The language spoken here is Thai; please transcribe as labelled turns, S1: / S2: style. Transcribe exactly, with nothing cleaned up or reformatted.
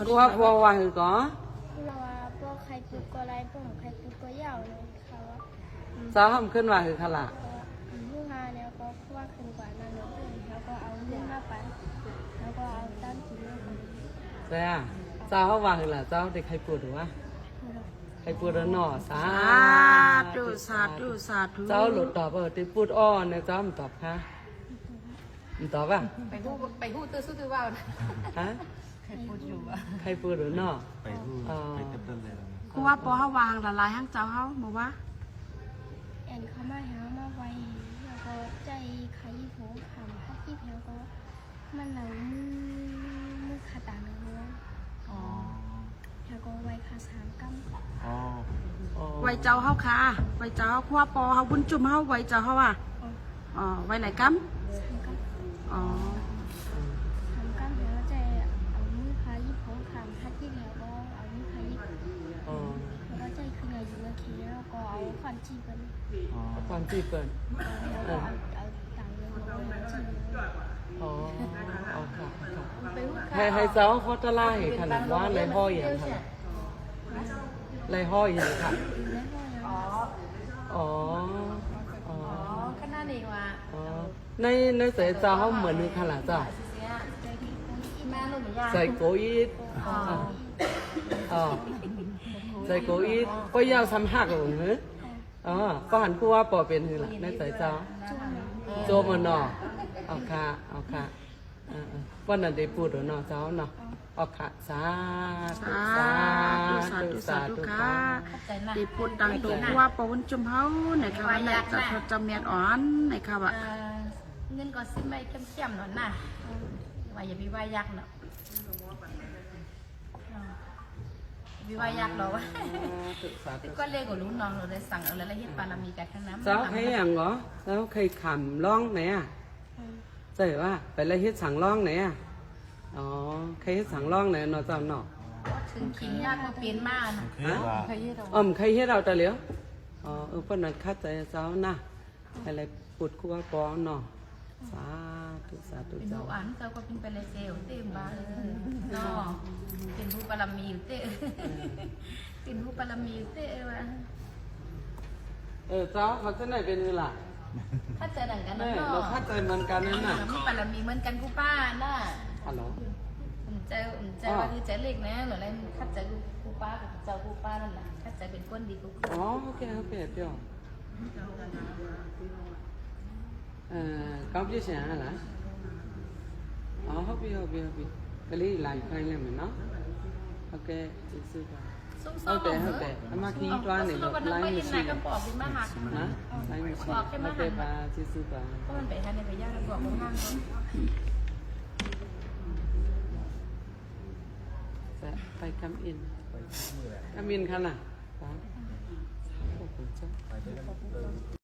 S1: บัวบัวว่าคือก็
S2: เราว่าพวกใครปลูกก็ไรพวกใครปลูกก็ยาวเลยเขาว่า
S1: เจ้าทำขึ้นว่าคือขละ
S2: ผู้งานเนี่ยก็ว่าขึ้นกว่านั้นแล้วแล้วก็เอาเงินมาไปแล้วก็เอาตั้งกินเลย
S1: ใช่อ่ะเจ้าเขาว่าคือละเจ้าเด็กใครปวดหรือวะใครปวดแล้วหนอสา
S3: ธุสาธุสาธุ
S1: เจ้าหลุดตอบเออติพูดอ้อเนี่ยเจ้ามันตอบค่ะมันตอบป่ะ
S4: ไปหู้ไปหู้ตื้อสู้ตื้อว่าวนะ
S1: ฮะ
S4: ใครพูดอยู่อ่ะ
S1: ใครปวดหรือหนอ
S5: ไปรูปไปเต้นเลย
S3: กูว่าปอเฮาวางละลายห้างเจ้าเฮาบอกว่า
S2: แอนเขามาหามาไว้แล้วก็ใจใครโผล่ขำพักที่แล้วก็มันเหนามือมือขาตาเนื้อ
S4: อ๋อ
S2: แล้วก็ไว้ขาสามกัม
S5: อ๋อ
S1: อ๋อ
S3: ไว้เจ้าเฮาค่ะไว้เจ้าเฮากูว่าปอเฮาบุญจุ่มเฮาไว้เจ้าเฮาอ่ะอ๋อไว้ไหนกัม
S2: สามกัม
S3: อ๋อ
S2: สามกัมแล้วใจเอามือพายิบโผล่ขำพักที่แล้วก็เอามือพายิบ
S1: อ๋อ
S2: แล้วก็ใจคือไงอยู่เมื่อกี้แล้วก็เอาควันจีกัน
S5: อ๋อ
S1: ความจีบเปิด
S2: แล้วก็เอาเอาต่างเงินมาจี
S1: อ๋อเอาค่ะค่ะ
S4: ไปหู้
S1: ให้ให้เจ้าเขาจะไล่ขนาดว่าไรห้อยอย่างค่ะไรห้อยอย่างค่ะ
S2: แล้วก็ยัง
S4: อ๋อ
S1: อ๋อ อ๋อ
S4: อ๋อขนาดนี้ว่า
S1: อ๋อ ในในเสยเจ้าเขาเหมือนนึงขนาดจ้ะ
S4: เสียอีแม่ลูกเหมือนยา
S1: ใส่โกอีด
S4: อ๋อ
S1: อ๋อใส่โกอีดก็ยาวซ้ำหักหรือเนอะอ๋อก็หันคู่ว่าปอเป็นคือล่ะในเสยเจ้าโจมันเนาะเอาค่ะเอาค่ะอ่าๆวันนั้นได้พูดหรือเนาะเจ้าเนาะเอาค่ะสาธุ
S3: สา
S1: สา
S3: ธุ
S1: ธุ
S3: สา
S1: สา
S3: ธุ
S1: ธุ
S3: ค่ะ
S4: ใจนะ
S3: ดีปุดตังตัวกูว่าปอบุญจุ่มเฮาไหนค่ะว่าไหนจะทดจำเมียนอ่อนไหนค่ะว่า
S4: เงินก็ซื้อไม่เข้มๆหน่อยนะว่าอย่าไปว่ายักษ์เนาะวิวายักษ์เหรอวะ
S1: สาธุ
S4: ก็เลยก็รู้น้องเราเลยสั่งเอาแล้วเฮ็ดปารามีกันทั้งนั้น
S1: เจ้าใครอย่างเหรอเจ้าใครขำร้องไหนอ่ะใช่ว่าไปละเฮ็ดสั่งร้องไหนอ่ะอ๋อใครเฮ็ดสั่งร้องไหนเนาะเจ้าเนาะ
S4: ถึงขิงยากมาเปลี่ยนมาก
S5: โอเคว่า
S1: อ๋อมใครเฮ็ดเราแต่เหลียวอ๋อเออเพิ่นน่ะคัดใจเจ้านะอะไรปุดคู่ว่าปอเนาะสาธุสาธุ
S4: เป็น
S1: เจ้า
S4: ผู้อ่านเจ้าก็เป็นไปเลยเซลเต็มบ้านเนาะเป็นผู้ปารามีอยู่เต้เป็นผู้ปารามีอยู่เต้ว่ะ
S1: เออเจ้าเขาจะไหนเป็นคือล่ะ
S4: ถ้าเจอดังกัน
S1: แม่
S4: เนาะ
S1: เราคัดใจเหมือนกันนั่นน่ะ
S4: มีปารามีเหมือนกันกูป้าน่ะ
S1: ฮัลโหล
S4: ผมใจผมใจว่าคือใจเล็กนะหรืออะไรคัดใจกูป้ากับเจ้ากูป้านั่นแหละคัดใจเป็นก้นดีกู
S1: อ๋อโอเคโอเคเดี๋ยวเอ่อကောင်းပြည့်ရှင်ဟလားอ๋อဟုတ်ပြီဟုတ်ပြီဟုတ်ပြီကလေးလာခိုင်းလိုက်မယ်နော်ဟုတ်ကဲ့ကျေးဇူးပါ
S4: ส้ม
S1: ဟုတ်
S4: ๆ
S1: တယ်ဟုတ်တယ်အမခီးတွားနေလို့
S4: ไล
S1: လိုင်း
S4: น์
S1: မ
S4: ไม่
S1: ရှိ
S4: ไหนก็
S1: ဘူး
S4: บอกพี่มาหัก
S1: နော်လိုင်းမရှိဟုတ်ကဲ့ပါကျေးဇူးပါ
S4: เพราะมันไปทางในไปย่างแล้วบอกว่าห้างเขา
S1: จะไปคัมอินคัมอินค่ะน่ะครับขอบคุณเจ้า